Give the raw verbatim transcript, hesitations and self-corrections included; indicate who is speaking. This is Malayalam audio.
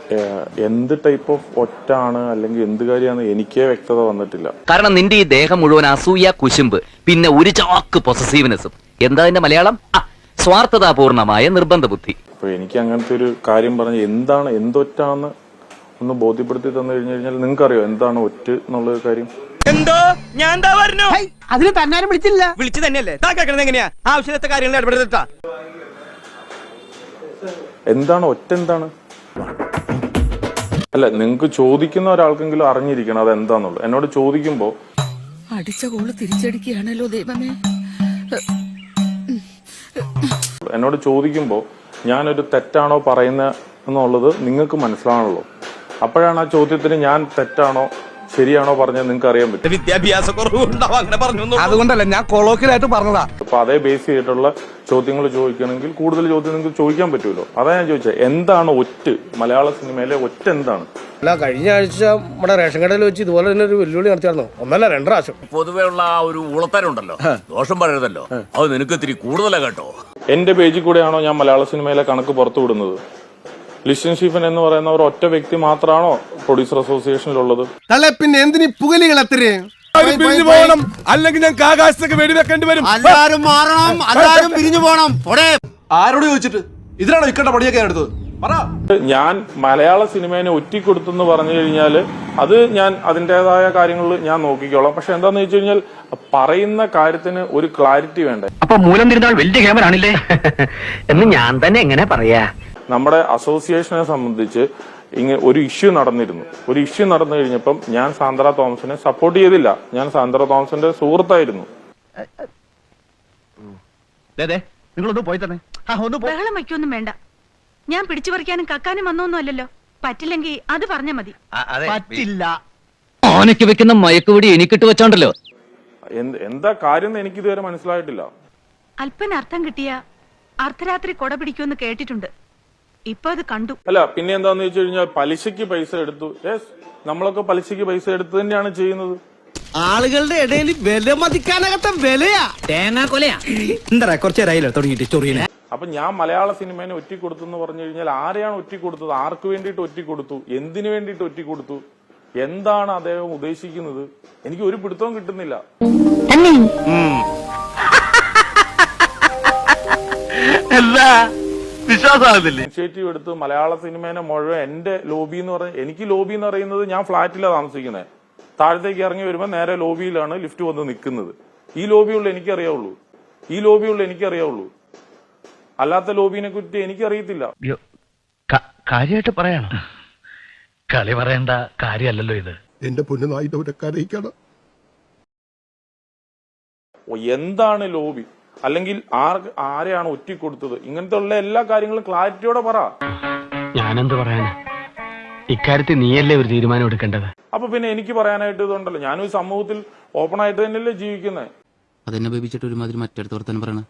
Speaker 1: എന്ത് ടൈപ്പ് ഓഫ് ഒറ്റാണ് അല്ലെങ്കിൽ എന്ത് കാര്യമാണ് എനിക്കേ വ്യക്തത വന്നിട്ടില്ല.
Speaker 2: കാരണം നിന്റെ ഈ ദേഹം മുഴുവൻ അസൂയ, കുശുമ്പ്, പിന്നെ ഒരു ചാക്ക് പൊസസീവ്നെസ്സും. എന്താ അതിന്റെ മലയാളം? സ്വാർത്ഥതാപൂർണമായ നിർബന്ധ ബുദ്ധി.
Speaker 1: അപ്പൊ എനിക്ക് അങ്ങനത്തെ ഒരു കാര്യം പറഞ്ഞ് എന്താണ് എന്തൊറ്റാന്ന് ഒന്ന് ബോധ്യപ്പെടുത്തി തന്നു കഴിഞ്ഞു കഴിഞ്ഞാൽ നിങ്ങൾക്കറിയോ എന്താണ് ഒറ്റ് എന്നുള്ള കാര്യം?
Speaker 3: എന്തോ ഞാൻ എന്താ പറഞ്ഞു?
Speaker 4: അതിന് തന്നാരും വിളിച്ചില്ല.
Speaker 3: വിളിച്ചു തന്നെയല്ലേ താ കേൾക്കണത് എങ്ങനെയാ? ആവശ്യത്തെ കാര്യങ്ങൾ ഇടപെടുത്താ.
Speaker 1: എന്താണ് ഒറ്റ? എന്താണ്? അല്ല, നിങ്ങൾക്ക് ചോദിക്കുന്ന ഒരാൾക്കെങ്കിലും അറിഞ്ഞിരിക്കണം അത് എന്താന്നുള്ളത്. എന്നോട് ചോദിക്കുമ്പോ
Speaker 5: അടിച്ച കോള് തിരിച്ചടിക്കുകയാണല്ലോ ദൈവമേ.
Speaker 1: എന്നോട് ചോദിക്കുമ്പോ ഞാനൊരു തെറ്റാണോ പറയുന്ന എന്നുള്ളത് നിങ്ങൾക്ക് മനസ്സിലാണല്ലോ. അപ്പോഴാണ് ആ ചോദ്യത്തിന് ഞാൻ തെറ്റാണോ ശരിയാണോ പറഞ്ഞത് നിങ്ങൾക്ക് അറിയാൻ പറ്റും.
Speaker 3: വിദ്യാഭ്യാസ കുറവുണ്ടാവും അങ്ങനെ പറഞ്ഞു.
Speaker 4: അതുകൊണ്ടല്ല ഞാൻ കൊളോക്കിലായിട്ട് പറഞ്ഞതാ.
Speaker 1: അപ്പൊ അതേ ബേസ് ചെയ്തിട്ടുള്ള ചോദ്യങ്ങൾ ചോദിക്കണമെങ്കിൽ കൂടുതൽ ചോദ്യം നിങ്ങൾക്ക് ചോദിക്കാൻ പറ്റുമല്ലോ. അതാ ഞാൻ ചോദിച്ചത് എന്താണ് ഒറ്റ്? മലയാള സിനിമയിലെ ഒറ്റ എന്താണ്?
Speaker 6: അല്ല, കഴിഞ്ഞ ആഴ്ച നമ്മുടെ റേഷൻ കടയിൽ വെച്ച് ഇതുപോലെ തന്നെ ഒരു വെല്ലുവിളി നടത്തിയായിരുന്നു. ഒന്നല്ല രണ്ട് പ്രാവശ്യം.
Speaker 7: പൊതുവേ ഉള്ള ആ ഒരു ഉളത്തരുണ്ടല്ലോ, ദോഷം പറയരുതല്ലോ, അത് നിനക്ക് ഇത്തിരി കൂടുതലാ കേട്ടോ.
Speaker 1: എന്റെ പേജിൽ കൂടെയാണോ ഞാൻ മലയാള സിനിമയിലെ കണക്ക് പുറത്തു വിടുന്നത്? ലിസ്റ്റൻ സ്റ്റീഫൻ എന്ന് പറയുന്ന ഒരു ഒറ്റ വ്യക്തി മാത്രമാണോ പ്രൊഡ്യൂസർ അസോസിയേഷനിലുള്ളത്?
Speaker 6: അല്ലെ പിന്നെ എന്തിനീ പുകലികൾ അത്രയും?
Speaker 4: അല്ലെങ്കിൽ ഞങ്ങൾക്ക് ആകാശത്തൊക്കെ വെടിവെക്കേണ്ടി വരും.
Speaker 6: എല്ലാരും മാറണം, എല്ലാരും പിരിഞ്ഞു പോണം.
Speaker 8: ആരോട് ചോദിച്ചിട്ട് ഇതിനാണോ ഇക്കണ്ട പണിയൊക്കെ എടുത്തത്?
Speaker 1: ഞാൻ മലയാള സിനിമേനെ ഒറ്റിക്കൊടുത്തെന്ന് പറഞ്ഞു കഴിഞ്ഞാല് അത് ഞാൻ അതിൻ്റെതായ കാര്യങ്ങളിൽ ഞാൻ നോക്കിക്കോളാം. പക്ഷെ എന്താന്ന് വെച്ച് കഴിഞ്ഞാൽ പറയുന്ന കാര്യത്തിന് ഒരു ക്ലാരിറ്റി വേണ്ടേ?
Speaker 2: അപ്പൊ മൂലം തിരുന്നാൾ വലിയ ക്യാമറാണില്ലേ എന്ന് ഞാൻ തന്നെ എങ്ങനെ പറയാ?
Speaker 1: നമ്മുടെ അസോസിയേഷനെ സംബന്ധിച്ച് ഇങ്ങനെ ഒരു ഇഷ്യൂ നടന്നിരുന്നു. ഒരു ഇഷ്യൂ നടന്നു കഴിഞ്ഞപ്പം ഞാൻ സാന്ദ്ര തോമസിനെ സപ്പോർട്ട് ചെയ്തില്ല. ഞാൻ സാന്ദ്ര തോമസിന്റെ സുഹൃത്തായിരുന്നു.
Speaker 4: നിങ്ങളൊന്ന് പോയി തന്നെ.
Speaker 5: ബഹളം വയ്ക്കൊന്നും വേണ്ട. ഞാൻ പിടിച്ചു പറിക്കാനും കക്കാനും വന്നൊന്നും അല്ലല്ലോ. പറ്റില്ലെങ്കിൽ അത് പറഞ്ഞാ മതി.
Speaker 4: പറ്റില്ല.
Speaker 2: ഓനയ്ക്ക് വെക്കുന്ന മയക്കുപിടി എനിക്കിട്ട് വെച്ചോണ്ടല്ലോ.
Speaker 1: എന്താ കാര്യം എന്ന് എനിക്ക് ഇതുവരെ മനസ്സിലായിട്ടില്ല.
Speaker 5: അല്പന അർത്ഥം കിട്ടിയ അർദ്ധരാത്രി കൊട പിടിക്കുമെന്ന് കേട്ടിട്ടുണ്ട്. ഇപ്പൊ അത് കണ്ടു.
Speaker 1: അല്ല, പിന്നെ എന്താന്ന് വെച്ച് കഴിഞ്ഞാൽ പലിശക്ക് പൈസ എടുത്തു. യെസ്, നമ്മളൊക്കെ പലിശക്ക് പൈസ എടുത്ത് തന്നെയാണ് ചെയ്യുന്നത്.
Speaker 4: ആളുകളുടെ ഇടയിൽ വില മതിക്കാനകത്ത വിലയാ തേങ്ങാ കൊലയാ. എന്താ കുറച്ച് നേരമായില്ല തുടങ്ങിയിട്ട് ചൊറിയനെ.
Speaker 1: അപ്പൊ ഞാൻ മലയാള സിനിമേനെ ഒറ്റിക്കൊടുത്തു എന്ന് പറഞ്ഞു കഴിഞ്ഞാൽ ആരെയാണ് ഒറ്റിക്കൊടുത്തത്? ആർക്ക് വേണ്ടിയിട്ട് ഒറ്റിക്കൊടുത്തു? എന്തിനു വേണ്ടിയിട്ട് ഒറ്റിക്കൊടുത്തു? എന്താണ് അദ്ദേഹം ഉദ്ദേശിക്കുന്നത്? എനിക്ക് ഒരു പിടുത്തവും കിട്ടുന്നില്ല. ഇനിഷ്യേറ്റീവ് എടുത്ത് മലയാള സിനിമേനെ മുഴുവൻ എന്റെ ലോബി എന്ന് പറഞ്ഞ എനിക്ക് ലോബി എന്ന് പറയുന്നത് ഞാൻ ഫ്ളാറ്റിലാണ് താമസിക്കുന്നത്. താഴത്തേക്ക് ഇറങ്ങി വരുമ്പോൾ നേരെ ലോബിയിലാണ് ലിഫ്റ്റ് വന്ന് നിൽക്കുന്നത്. ഈ ലോബിയുള്ള എനിക്കറിയാവുള്ളൂ. ഈ ലോബിയുള്ള എനിക്കറിയാവുള്ളൂ. അല്ലാത്ത ലോബിനെ കുറിച്ച് എനിക്കറിയത്തില്ല.
Speaker 2: കാര്യമായിട്ട് പറയണം. കളി പറയേണ്ട കാര്യമല്ലല്ലോ ഇത്.
Speaker 6: എന്റെ പൊന്നുനായിട്ട് കരയിക്കണം.
Speaker 1: എന്താണ് ലോബി? അല്ലെങ്കിൽ ആർ ആരെയാണ് ഒറ്റിക്കൊടുത്തത്? ഇങ്ങനത്തെ ഉള്ള എല്ലാ കാര്യങ്ങളും ക്ലാരിറ്റിയോടെ പറ.
Speaker 2: ഞാനെന്ത് പറയാനാ? ഇക്കാര്യത്തിൽ നീയല്ലേ ഒരു തീരുമാനം എടുക്കേണ്ടത്.
Speaker 1: അപ്പൊ പിന്നെ എനിക്ക് പറയാനായിട്ട് ഇതുണ്ടല്ലോ. ഞാനൊരു സമൂഹത്തിൽ ഓപ്പൺ ആയിട്ട് തന്നെയല്ലേ ജീവിക്കുന്നത്.
Speaker 9: അതെന്നെ ബേബിച്ചിട്ട് ഒരുമാതിരി മറ്റടുത്ത് വർത്താനം പറയണ.